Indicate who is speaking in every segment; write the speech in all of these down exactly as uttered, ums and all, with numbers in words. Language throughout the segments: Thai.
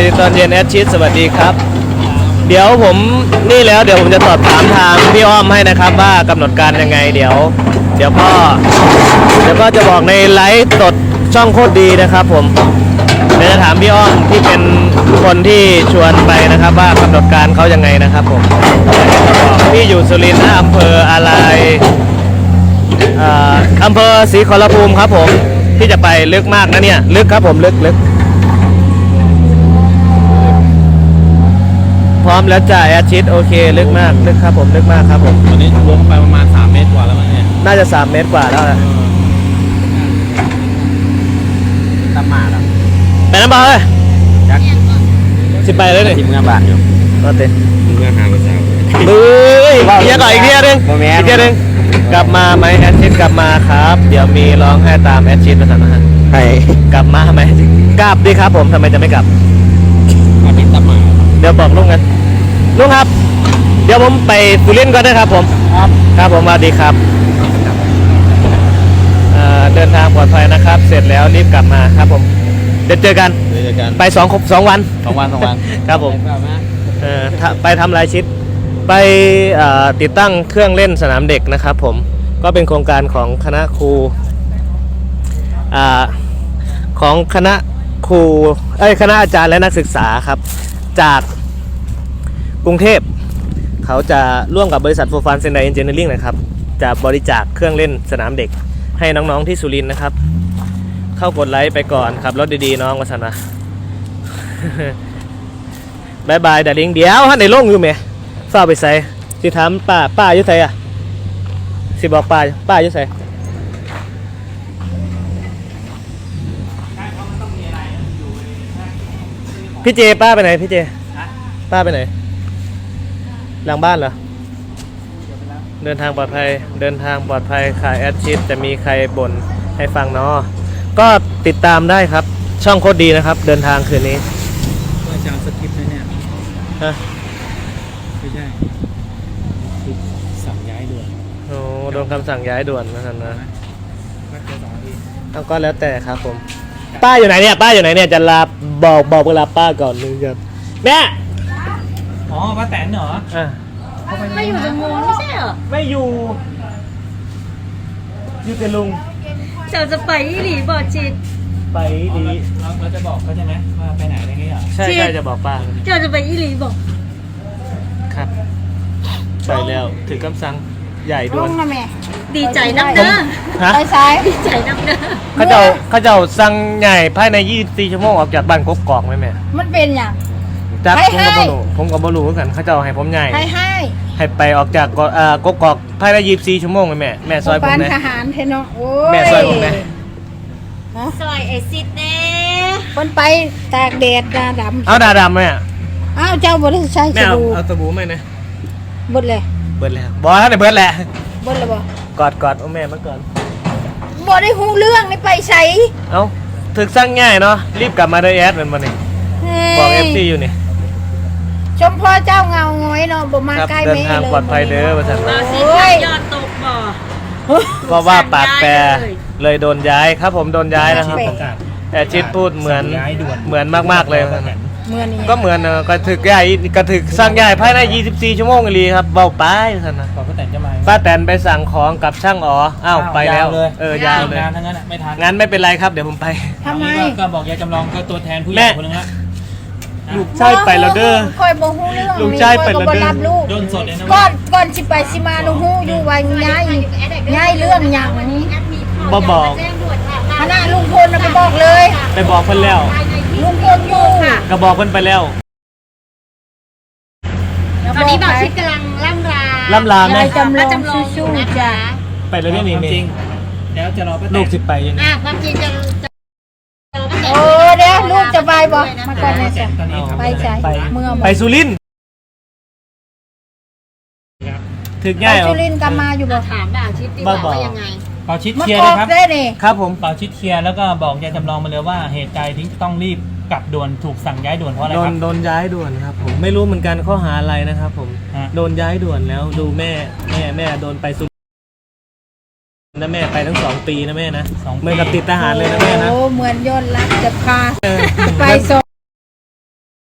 Speaker 1: ตอนเย็นแอดชิดสวัสดีครับเดี๋ยวผมนี่แล้วเดี๋ยวผมจะสอบถามทางพี่อ้อมให้นะครับว่ากำหนดการยังไงเดี๋ยว เดี๋ยวก็เดี๋ยวก็จะบอกในไลฟ์สดช่องโคตรดีนะครับผมเดี๋ยวจะถามพี่อ้อมที่เป็นคนที่ชวนไปนะครับว่ากำหนดการเขายังไงนะครับผมพี่อยู่สุรินทร์นะอำเภออะไรอำเภอศรีขอรภูมิครับผมที่จะไปลึกมากนะเนี่ยลึกครับผมลึกลึกพร้อมแล้วจ่ายอาชิตโอเคลึกมากลึกครับผมลึกมากครับผม
Speaker 2: ตอนนี้ลงไปประมาณสามเมตรกว่าแล้วมั้งเนี่ย
Speaker 1: น่าจะสามเมตรกว่าแล้วนะ
Speaker 2: ตามมาแล้ว
Speaker 1: ไปน้ำบอลเลยสิไปเลยเนี่ย
Speaker 2: ทีมงานบ้านอยู่
Speaker 1: ก็เต็ม
Speaker 2: ทีมงานหางภาษา
Speaker 1: เฮ้ยอีกก่อนอีกทีนึงอีกทีนึงกลับมาไหมแอดชิดกลับมาครับเดี๋ยวมีร้องให้ตามแอดชิดมาสั่งอาหาร
Speaker 2: ให้
Speaker 1: กลับมาทำไมกลับดิครับผมทำไมจะไม่กลับ
Speaker 2: อาทิตย์ตามมา
Speaker 1: เดี๋ยวบอกลุงกันลุงครับเดี๋ยวผมไปสุรินทร์ก่อนนะครับผมครับครับผมสวัสดีครับเดินทางปลอดภัยนะครับเสร็จแล้วรีบกลับมาครับผมเดี๋ยวเจอกันไปสองสองวัน
Speaker 2: สองวันสองวัน
Speaker 1: ครับผมไปทำลายชิดไปติดตั้งเครื่องเล่นสนามเด็กนะครับผมก็เป็นโครงการของคณะครูของคณะครูเอ้ยคณะอาจารย์และนักศึกษาครับจากกรุงเทพเขาจะร่วมกับบริษัทโฟร์ฟันเซนไดเอนจิเนียริ่งนะครับจะบริจาคเครื่องเล่นสนามเด็กให้น้องๆที่สุรินทร์นะครับเข้ากดไลค์ไปก่อนครับรถดีๆน้องวสันต์นะบายบายดาริงเดี๋ยวฮะในโล่งอยู่ไหมฝ้าไปใส่สิถามป้าป้าอยู่ใส่อะสิบอกป้าป้าอยู่ใส่พี่เจป้าไปไหนพี่เจป้าไปไหนหลังบ้านเหรอเดินทางปลอดภัยเดินทางปลอดภัยขายแอดชิดจะมีใครบ่นให้ฟังเนาะก็ติดตามได้ครับช่องโคตรดีนะครับเดินทางคืนนี้
Speaker 2: อาจารย์สกิปเลยเนี่ย
Speaker 1: ฮะ
Speaker 2: ไม่ใช่สั่งย้ายด่วน
Speaker 1: โอ้โดนคำสั่งย้ายด่วนนะครับนะก็แล้วแต่ครับผมป้าอยู่ไหนเนี่ยป้าอยู่ไหนเนี่ยจะลาบอกบอกเวลาป้าก่อนนึงครับแม่
Speaker 2: อ๋อป้าแตนเหรอ
Speaker 1: อ่ะ
Speaker 3: ไม่อยู่จังงูไม่ใช่เหรอ
Speaker 1: ไม่อยู่อยู่แต่ลุง
Speaker 3: เราจะไปอีหลีบอจิต
Speaker 1: ไปดี
Speaker 2: เราเราจะบอกเขาใช่ไหมว่าไปไหนอะไรเงี้ยเหรอ
Speaker 1: ใช่ใช่จะบอกป้า
Speaker 3: เราจะไปอีหลีบอก
Speaker 1: ครับไปแล้วถือคำสั่งใหญ่ด่วน
Speaker 3: ดีใจนักเด้อไปซ้ายดีใจนักเด้อ
Speaker 1: เขาเจ้าเขาเจ้าสั่งใหญ่ภายในยี่สิบสี่ชั่วโมงออกจากบ้านกกอกไหมแม่
Speaker 3: มันเป็นอย่าง
Speaker 1: จักผมกับบอลูผมกับบอลูกันเขาเจ้าให้ผมใหญ่
Speaker 3: ให้ให้
Speaker 1: ให้ไปออกจากกกอกภายในยี่สิบสี่ชั่วโมงไหมแม่แม่ซอยผม
Speaker 3: นะทหารเทนโอ้
Speaker 1: แม่ซอยผมนะ
Speaker 3: ซอยไอซิดเน่คนไปตากแดดดาดำ
Speaker 1: เอาดาดำไหมอ่ะ
Speaker 3: อ้าวเจ้าบริษัท
Speaker 1: ใช้สบู่เอาสบู่ไหมนะ
Speaker 3: เบิดเลย
Speaker 1: เบิดแล้วบอสเนี่ยเบิดแหละ
Speaker 3: เบิดเลยบ
Speaker 1: กอดกอดเอาแม่มาก่อน
Speaker 3: บอได้หูเรื่องนี่ไปใช้
Speaker 1: เอ้าถึกสร้างง่ายเนาะรีบกลับมาด้วยแอดมันมาเนี่ยบอกเอฟซีอยู่นี่
Speaker 3: ชมพ่อเจ้าเงาง้อยเนาะบ่มาใกล้
Speaker 1: เดินทางปลอดภัยเด้อประสาน
Speaker 3: มาสิยอดตกบ่
Speaker 1: เพราะว่าปากแปรเลยโดนย้ายครับผมโดนย้ายนะครับแต่ชิดพูดเหมือนเหมือนมากๆเลยก็เหมือนกระถึกใหญ่กระถึกสร้างใหญ่ภายในยี่สิบสี่ชั่วโมงเลยครับเบาไปท่านนะ
Speaker 2: ป้าแตนจะมา
Speaker 1: ป้าแตนไปสั่งของกับช่างอ๋ออ้าวไปแล้วเออยาวเลย
Speaker 2: งานทั้งนั้นไม่ทัน
Speaker 1: งั้นไม่เป็นไรครับเดี๋ยวผมไป
Speaker 3: ทำไม
Speaker 2: ก็บอกยายจำลองก็ตัวแทนผู้ใหญ่คนนึงละ
Speaker 1: ลูกชายไปแล้วเด้อ
Speaker 3: คอยบ่ฮู้เรื่อง
Speaker 1: ลูกชายไปแล้วเด้อ
Speaker 2: โดนสดเลยนะ
Speaker 3: ก่อนก่อนสิไปสิมาหนูฮู้อยู่ว่าย้ายย้ายเรื่องหยังนี้
Speaker 1: บ่บอก
Speaker 3: คณะลุงพลไปบอกเลย
Speaker 1: ไปบอกเพิ่นแล้ว
Speaker 3: ลุงพลอยู่
Speaker 1: ก็บอกเพิ่นไปแล้ว
Speaker 3: ตอนนี้บอกชิดกำลังล่ำลา
Speaker 1: ล่ำลาแม่
Speaker 3: จำลองสู้ๆจ้ะ
Speaker 1: ไปแล้วนี่นี่
Speaker 2: จริงแล้วจะรอป้าแตน
Speaker 1: ลูกสิไปยังไง
Speaker 3: อ่ะความจริงจะโอ้เดี๋ยวลูกจะไปบ่มาก่อนเลยจ้ะไปใช่เมื่อ
Speaker 1: ไปสุรินทร์ถึงง่าย
Speaker 3: สุรินทร์กลับมาอยู่บ่ถามบ่าชิดดีว่ายังไง
Speaker 2: เป่าชิดเคลียร์เลยครับ
Speaker 1: ครับผม
Speaker 2: เป่าชิดเคลียร์แล้วก็บอกยายจำลองมาเลยว่าเหตุใดที่ต้องรีบกลับด่วนถูกสั่งย้ายด่วนเพราะอะไรครับ
Speaker 1: โดนย้ายด่วนครับผมไม่รู้เหมือนกันข้อหาอะไรนะครับผมโดนย้ายด่วนแล้วดูแม่แม่แม่โดนไปสุนะแม่ไปทั้งสองปีนะแม่นะเหมือนกับติดทหารเลยนะแม่นะ
Speaker 3: โอ้เหมือนยอดรักจะพาไปส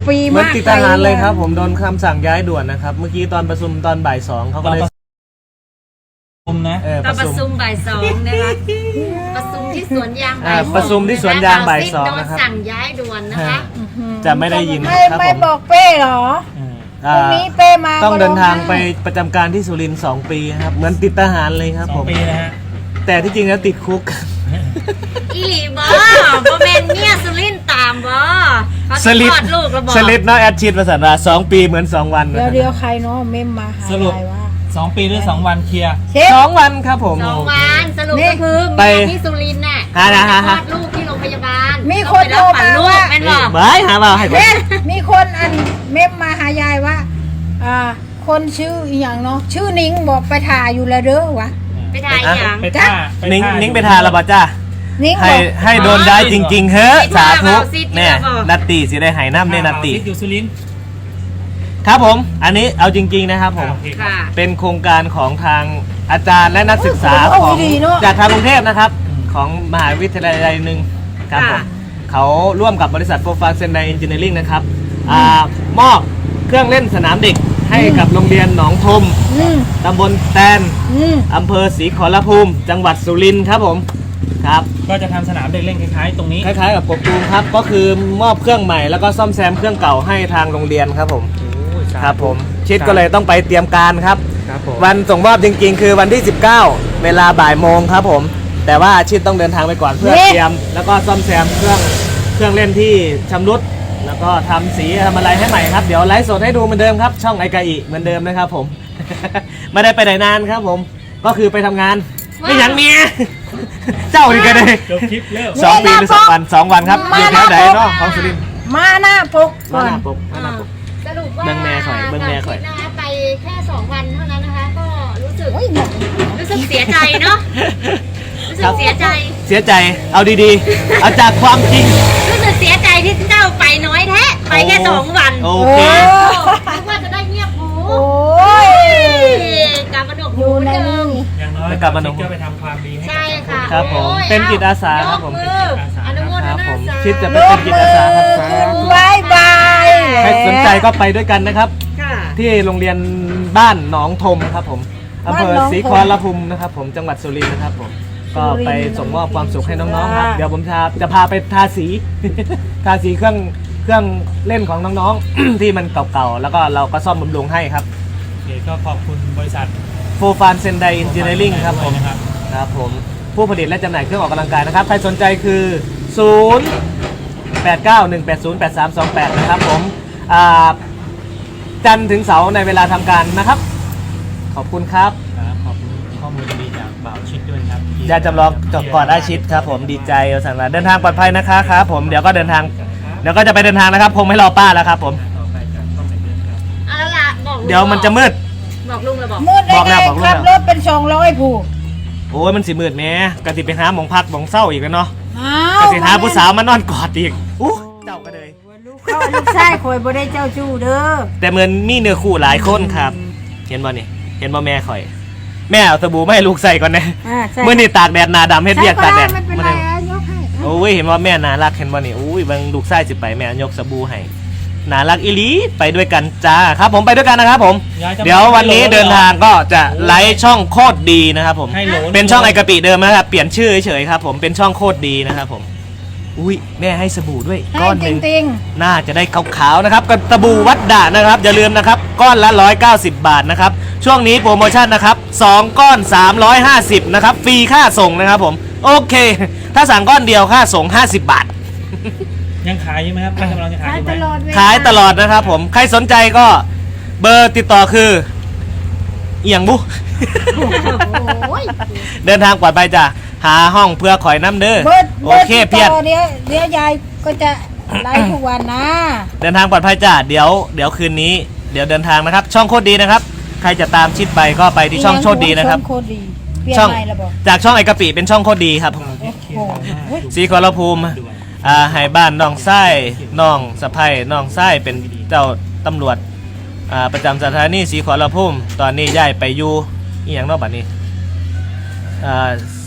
Speaker 3: ปี
Speaker 1: เหมือน
Speaker 3: มาก
Speaker 1: ติดทหารเลยครับ ผมโดนคำสั่งย้ายด่วนนะครับ เมื่อกี้ตอนประชุมตอนบ่ายสองเขาก็เลย
Speaker 2: คุมนะ
Speaker 1: เออ
Speaker 4: ตอนประชุมบ่ายสองนะคะประชุมที่สวนยางบ่าย
Speaker 1: อ่า
Speaker 4: สอง
Speaker 1: ประชุมที่สวนยางบ่ายสองนะครับ
Speaker 4: โดนสั่งย้ายด่วนนะคะ
Speaker 1: จะไม่ได้ยิน
Speaker 3: ไม่
Speaker 1: ครับ
Speaker 3: ไม่
Speaker 1: ผม
Speaker 3: บอกเป้เหรอ
Speaker 1: อ่า
Speaker 3: พรุ่งนี้เป้มา
Speaker 1: ต้องเดินทางไป
Speaker 3: ก็ร้อ
Speaker 1: ประจำการที่สุรินทร์สองปีครับ เหมือนติดทหารเลยครับ
Speaker 2: สอ
Speaker 1: ผ
Speaker 2: ง
Speaker 1: ม
Speaker 2: ปีนะฮะ
Speaker 1: แต่ที่จริงแล้วติดคุก
Speaker 4: อีหลีบอโบแมนเนี่ยสุรินทร์ตามบอเขา
Speaker 1: ส
Speaker 4: จะ
Speaker 1: ลิ
Speaker 4: ค
Speaker 1: ป
Speaker 4: ลอดลูกแล้วบอ
Speaker 1: สลิปเนาะแอดชิดภาษาลาวสองปีเหมือนสองวัน
Speaker 3: เดี๋ยวเดี๋ยวใครเนาะเมมมาหา
Speaker 2: สรุป
Speaker 3: ยายว่า
Speaker 2: สองปีหรือสองวันเคลียร์
Speaker 3: เช็ค
Speaker 1: สองวันครับผม
Speaker 4: สองวันสรุป
Speaker 3: นี่
Speaker 4: ก็คือ
Speaker 1: ไป
Speaker 4: มีที่สุรินทร์น่ะ
Speaker 1: ฮะฮะฮะ
Speaker 4: คลอดลูกที่โรงพยาบาล
Speaker 3: มีคน
Speaker 4: ต้องไปรับ
Speaker 3: โทรมา
Speaker 4: ฝันลูก
Speaker 3: ว่า
Speaker 4: แม่นบอ
Speaker 1: บายหาเปล่าให้ผม
Speaker 3: เอ๊ะมีคนอันเมมมาหายายว่า อ่า คนชื่ออีหยังเนาะชื่อนิ้งบอกไปถ่ายอยู่แล้วเด้อวะ
Speaker 4: ไปถ่ายอย่าง
Speaker 2: ไปท่า
Speaker 1: นิ้ง
Speaker 2: ท่า
Speaker 1: นิ้งไปทานและบ่จ้า
Speaker 3: นิ้งบ
Speaker 1: ให้
Speaker 3: อก
Speaker 1: ให้โดนได้จริง ๆ เฮ้อ
Speaker 4: ไป
Speaker 1: สา
Speaker 4: ท่า
Speaker 1: ธุ
Speaker 4: เบาซิด
Speaker 1: แน่
Speaker 4: เนี่ยบอก
Speaker 1: นัตติสิได้หายน้ำได้นัตติ
Speaker 2: ซิดอยู่สุรินทร์
Speaker 1: ครับผม อันนี้เอาจริง ๆ นะครับผม
Speaker 2: โอเคครับ
Speaker 4: ค่ะ
Speaker 1: เป็นโครงการของทางอาจารย์และนักศึกษา
Speaker 3: โอ้
Speaker 1: ของ
Speaker 3: ดีเนอะ
Speaker 1: จากทางกรุงเทพนะครับ ของมหาวิทยาลัยหนึ่งครับผม
Speaker 4: ค่ะ
Speaker 1: เขาร่วมกับบริษัทโฟร์ฟาร์เซนไดเอนจิเนียริงนะครับอ่ามอบเครื่องเล่นสนามเด็กให้กับโรงเรียนหนองทม
Speaker 3: อืม
Speaker 1: ตำบลแตน
Speaker 3: อืม
Speaker 1: อำเภอศรีขอรภูมิ จังหวัดสุรินทร์ครับผมครับ
Speaker 2: ก็จะทำสนามเด็กเล่นคล้ายๆ ตรงนี้
Speaker 1: คล้ายๆกับกบตูมครับ ก็คือมอบเครื่องใหม่แล้วก็ซ่อมแซมเครื่องเก่าให้ทางโรงเรียนครับผม ครับผมชิดก็เลยต้องไปเตรียมการครับ
Speaker 2: ครับผม
Speaker 1: วันส่งมอบจริงๆ คือวันที่ สิบเก้า เวลาบ่ายโมงครับผม แต่ว่าชิดต้องเดินทางไปก่อนเพื่อ
Speaker 3: เอ๊ะ
Speaker 1: เตรียม แล้วก็ซ่อมแซมเครื่องเครื่องเล่นที่ชำรุดแล้วก็ทำสีทำอะไรให้ใหม่ครับ เดี๋ยวไลฟ์สดให้ดูเหมือนเดิมครับ ช่องไอกาอิเหมือนเดิมนะครับผม ไม่ได้ไปไหนนานครับผม ก็คือไปทำงาน ไม่หยังเมีย เจ้าอีกกันเลย
Speaker 2: จบคลิปเร็ว
Speaker 1: สองปีหรือสองวันสองวันครับอยู่แถวไหนเนาะของสุรินทร์
Speaker 3: มาหน้าปกก่
Speaker 1: มา
Speaker 3: อน
Speaker 1: หน้าปกมาหน้าปก
Speaker 4: สรุปว่า
Speaker 1: เบิ่งแม่ข่อยเบิ่งแม่ข่อย
Speaker 4: ดาวทิพย์นะคะไปแค่สองวันเท่านั้นนะคะ ก็รู้สึก
Speaker 3: โอ้ยหนัก
Speaker 4: รู้สึกเสียใจเนาะรู้สึกเสียใจ
Speaker 1: เสียใจ เอาดีๆ เอาจากความจริง
Speaker 4: รู้สึกเสียใจที่เจ้าไปน้อยแท้ไปแค่สองวัน
Speaker 1: โอ
Speaker 3: โอ้
Speaker 1: เค
Speaker 4: นึกว่าจะได้เงียบหู
Speaker 3: โอ้ย
Speaker 4: การกระดก
Speaker 3: อ
Speaker 4: หู
Speaker 3: ยู่ใน
Speaker 4: เดิ
Speaker 3: นี่
Speaker 4: ม
Speaker 2: อย่างน้อย
Speaker 1: แล้วกลับมาหนุ่ม
Speaker 2: ชิดก็ไปทำความดีให้
Speaker 4: ใช่
Speaker 2: กับสัง
Speaker 4: ค่ะ
Speaker 1: ครับผม
Speaker 4: โอ้ย
Speaker 1: เป็นจิตอาสาครับผม
Speaker 4: ยกออนุโมท
Speaker 1: ค
Speaker 4: นา
Speaker 1: รับผม
Speaker 4: สา
Speaker 1: ชิดจะ
Speaker 3: ล
Speaker 1: เป็น
Speaker 3: บ
Speaker 1: จิต
Speaker 3: มื
Speaker 1: อา
Speaker 3: อ
Speaker 1: สาครับ
Speaker 3: บายบาย
Speaker 1: ใครสนใจก็ไปด้วยกันนะครับ
Speaker 4: ค่ะ
Speaker 1: ที่โรงเรียนบ้านหนองทมครับผมอำเภอศรีขอรภูมินะครับผมจังหวัดสุรินทร์นะครับผมก็ไปส่งมอบความสุขให้น้องๆครับเดี๋ยวผมจะจะพาไปทาสี ทาสีเครื่องเครื่องเล่นของน้องๆ ที่มันเก่าๆแล้วก็เราก็ซ่อมบำรุงให้ครับ
Speaker 2: โอเคก็ขอบคุณบริษัท
Speaker 1: โฟร์ฟานเซนไดเอนจิเนียริงครับผม
Speaker 2: นะครับ
Speaker 1: ครับผมผู้ผลิตและจำหน่ายเครื่องออกกำลังกายนะครับใครสนใจคือ ศูนย์ แปด เก้า หนึ่ง แปด ศูนย์ แปด สาม สอง แปด นะครับผมอ่าจันทร์ถึงเสาร์ในเวลาทำการนะครับ ขอบคุณครับ
Speaker 2: ครับขอบคุณข้อมูลดีๆจากบ่าวชิดด้วยนะครับ
Speaker 1: ยาจำลองจบก่อนอาชิตครับผมดีใจเอาสั่งลาเดินทางปลอดภัยนะคะครับผมเดี๋ยวก็เดินทางเดี๋ยวก็จะไปเดินทางนะครับคงไม่รอป้าแล้วครับผม
Speaker 2: ต่อไปจากช่องไหนเดินครับ
Speaker 4: เอาละล่ะบอกลุง
Speaker 1: เดี๋ยวมันจะมืด
Speaker 4: บอกลุงเลยบอก
Speaker 3: มืดได้
Speaker 1: บอก
Speaker 3: ไง
Speaker 1: แล้วบอกแล้ว
Speaker 3: ขับรถเป็นสองร้อยผู้
Speaker 1: โอ้ยมันสิมืดแหม่กะติไปหาหมองพักหมองเศร้าอีกแล้วเนาะ
Speaker 3: อ้าก
Speaker 1: ะสิหาผู้สาวมานอนกอดอีกอู้เจ้าก็เลย
Speaker 3: ลูกเข้าลูกชายคอยบ่ได้เจ้าชู้เด้อ
Speaker 1: แต่เหมือนมีเนื้อคู่หลายคนครับ เห็นบ่นี่เห็นบ่แม่ข่อย แม่เอาสบู่มาให้ลูกใส่ก่อนนะ
Speaker 3: อ่าใช่
Speaker 1: เมื่อนี่ตากแดดหนาดำเฮ็ดเวียกตากแดด
Speaker 3: ไม่เป็น
Speaker 1: มื้อ
Speaker 3: ไร
Speaker 1: นี้
Speaker 3: อ่ะยกให้
Speaker 1: โอ้ยเห็นว่าแม่น่ารักเห็นบ่นี่อุ้ยเบิ่งลูกชายสิไปแม่ยกสบู่ให้น่ารักอีหลีไปด้วยกันจ้าครับผมไปด้วยกันนะครับผม
Speaker 2: ย้ายจะ
Speaker 1: เดี๋ยววันนี้เดินทางก็จะไลฟ์ช่องโคตรดีนะครับผม
Speaker 2: ให้โหล
Speaker 1: เป็นช่องไอกะปิเดิมนะครับเปลี่ยนชื่อเฉยๆครับผมเป็นช่องโคตรดีนะครับผมอุ้ยแม่ให้สบู่ด้วย
Speaker 3: ให้
Speaker 1: ก้อนห
Speaker 3: จ
Speaker 1: นึ่ง
Speaker 3: ริง
Speaker 1: น่าจะได้ขาวๆนะครับกับตะบูวัดด่านนะครับอย่าลืมนะครับก้อนละหนึ่งร้อยเก้าสิบบาทนะครับช่วงนี้โปรโมชั่นนะครับสองก้อนสามร้อยห้าสิบนะครับฟรีค่าส่งนะครับผมโอเค ถ้าสั่งก้อนเดียวค่าส่งห้าสิบบาท
Speaker 2: ยังขายอยู่ไหมครับท่านกำลังจะ
Speaker 3: ๆ
Speaker 2: ขาย
Speaker 3: ขาย
Speaker 2: อยู่ไห
Speaker 3: ต
Speaker 2: ม
Speaker 3: ลอดเวลา
Speaker 1: ขายตลอดนะครับผมใครสนใจก็เบอร์ติดต่อคือเอียงบุ
Speaker 3: โอ้ย
Speaker 1: เดินทางปลอดภัยจ้ะหาห้องเพื่อข่อยน้ำเด้อ
Speaker 3: เบิร์ด
Speaker 1: โอ
Speaker 3: เบิร์ด
Speaker 1: เค
Speaker 3: ติด
Speaker 1: เพียร
Speaker 3: ต่อเดี๋ยวเดี๋ยวยายก็จะไลฟ์ทุกวันนะ
Speaker 1: เดินทางปลอดภัยจ้ะเดี๋ยวเดี๋ยวคืนนี้เดี๋ยวเดินทางนะครับ ช่องโคตรดีนะครับ ใครจะตามชิดไปก็ไปที่ช่องโคตรดีนะครับ
Speaker 3: ช่องโคตรดีเปลี่ยน
Speaker 1: ช่อง
Speaker 3: ใหม่แล้วบอก
Speaker 1: จากช่องไอกะปิเป็นช่องโคตรดีครับ
Speaker 3: โอ้โหเฮ้ย
Speaker 1: สีขอรภูมิอ่าให้บ้านน้องไส้น้องสะพ้ยน้องไส้เป็นเจ้าตำรวจอ่าประจำสถานีสีขอรภูมิตอนนี้ย้ายไปอยู่อีหยังเนอกบัดนี้อ่า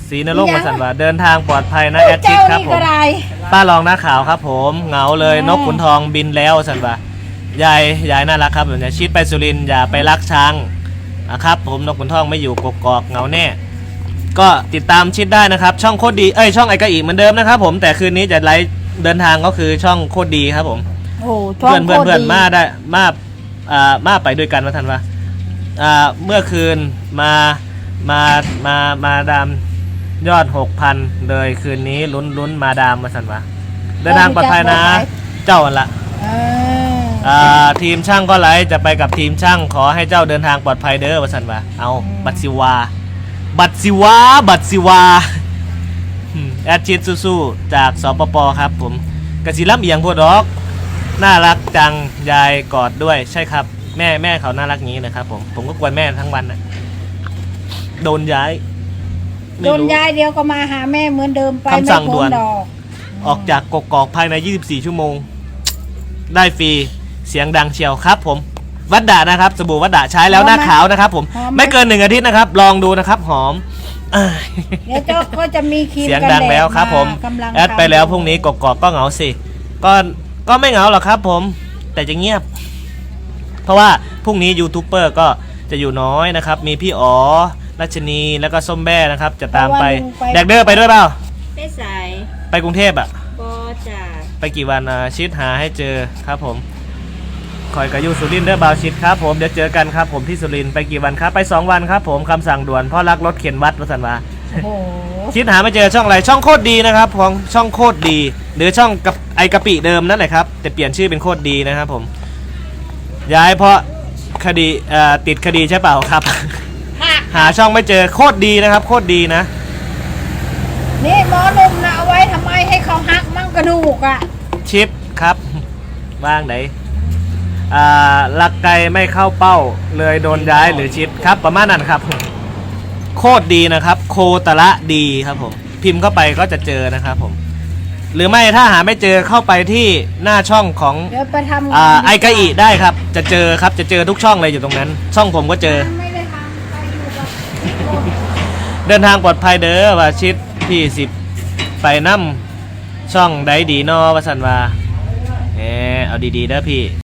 Speaker 1: สีนรงค์มาสันว่าเดินทางปลอดภัยนะแอดชิ
Speaker 3: เจ้า
Speaker 1: ดครับ
Speaker 3: นี่
Speaker 1: ผ
Speaker 3: ก็
Speaker 1: ม
Speaker 3: ได้
Speaker 1: ป้ารองหน้าขาวครับผมเหงาเลยนกขุนทองบินแล้วสันว่ายายยายน่ารักครับอย่าชิดไปสุรินทร์อย่าไปรักช้างนะครับผมนกขุนทองไม่อยู่กกอกเหงาแน่ก็ติดตามชิดได้นะครับช่องโคตรดีเอ้ยช่องไอกะอีเหมือนเดิมนะครับผมแต่คืนนี้จะไลฟ์เดินทางก็คือช่องโคตรดีครับผม
Speaker 3: โอ้
Speaker 1: เพื่อนเพื่อนเพื่อนมาได้มาอ่ามาไปด้วยกันว่าทันวะอ่าเมื่อคืนมามามามาดามยอดหกพันเลยคืนนี้ลุ้นลุ้นมาดามมาสันวะเดินทางปลอดภัยนะเจ้าอันละ
Speaker 3: เออ
Speaker 1: อ่าทีมช่างก็ไลฟ์จะไปกับทีมช่างขอให้เจ้าเดินทางปลอดภัยเด้อว่าสันวะเอาบัตรสิวาบัตรสิวาบัตรสิวาอืมแอดชิดสู้ๆจากสปปครับผมกสิล่ำเอียงพวกดอกน่ารักจังยายกอดด้วยใช่ครับแม่แม่เขาน่ารักงี้นะครับผมผมก็กวนแม่ทั้งวันนะโดนย้ายไม่
Speaker 3: โดน
Speaker 1: รู้
Speaker 3: ยายเดียวก็มาหาแม่เหมือนเดิมไป
Speaker 1: คำสั่ง
Speaker 3: ไม่
Speaker 1: ด่
Speaker 3: พ้
Speaker 1: วน
Speaker 3: นดอก
Speaker 1: ออกจากกกอกภายใน ยี่สิบสี่ ชั่วโมง ได้ฟรีเสียงดังเชียวครับผมวัดดะนะครับสบู่วัดดะใช้แล้วหน้าขาวนะครับผมไม่เกินหนึ่งอาทิตย์นะครับ ลองดูนะครับหอมอ่า
Speaker 3: เดี๋ยวเจ้าก็จะมีครีม
Speaker 1: เสียง
Speaker 3: กัน
Speaker 1: ดัง
Speaker 3: แด
Speaker 1: แล้ว
Speaker 3: ด
Speaker 1: ครับผม
Speaker 3: ากำลัง
Speaker 1: แอดไปแล้วพรุ่งนี้กกอกก็เหงาสิก็ก็ไม่เหงาหรอกครับผมแต่จะเงียบ เพราะว่าพรุ่งนี้ยูทูบเบอร์ก็จะอยู่น้อยนะครับ มีพี่อ๋อรัชนีแล้วก็ส้มแบ้นะครับ จะตามไปแดกเดอร์ไปด้วยเปล่า
Speaker 4: ได้ใส่
Speaker 1: ไปกรุงเทพอะ
Speaker 4: บ่จ้า
Speaker 1: ไปกี่วันอ่ะชิดหาให้เจอครับผมคอยกับยูสุรินทร์เด้อบาวชิดครับผมเดี๋ยวเจอกันครับผมที่สุรินทร์ไปกี่วันครับไปสองวันครับผมคำสั่งด่วนเพ่อรักรถเข็นวัดวัสันวา
Speaker 3: โอ้โห
Speaker 1: ชิดหาไม่เจอช่องอะไรช่องโคตรดีนะครับของช่องโคตรดี หรือช่องกับไอกะปิเดิมนั่นแหละครับแต่เปลี่ยนชื่อเป็นโคตรดีนะครับผมย้ายเพราะคดีเอ่อติดคดีใช่เปล่าครับ หาช่องไม่เจอโคตรดีนะครับโคตรดีนะ
Speaker 3: นี่หมอหนุ่มนะเอาไว้ทำไมให้เขาหักมั่งกระดูกอ่ะ
Speaker 1: ชิปครับว่างไหนอ่าลักไก่ไม่เข้าเป้าเลยโดนย้ายหรือชิปครับประมาณนั้นครับโคตรดีนะครับโคตระดีครับผมพิมพ์เข้าไปก็จะเจอนะครับผมหรือไม่ถ้าหาไม่เจอเข้าไปที่หน้าช่องของ
Speaker 3: เดี๋ยวไปทำ
Speaker 1: อ่า
Speaker 3: ดีว่า
Speaker 1: ไอกะอิได้ครับจะเจอครับจะเจอทุกช่องเลยอยู่ตรงนั้น ช่องผมก็เจอ
Speaker 3: ไม่ได้ทำไปอยู่กับพี่คน
Speaker 1: เดินทางปลอดภัยเด้อว่าชิดที่สิบไปนั่มช่องได้ดีนอวสันวาเออเอาดีๆเด้อพี่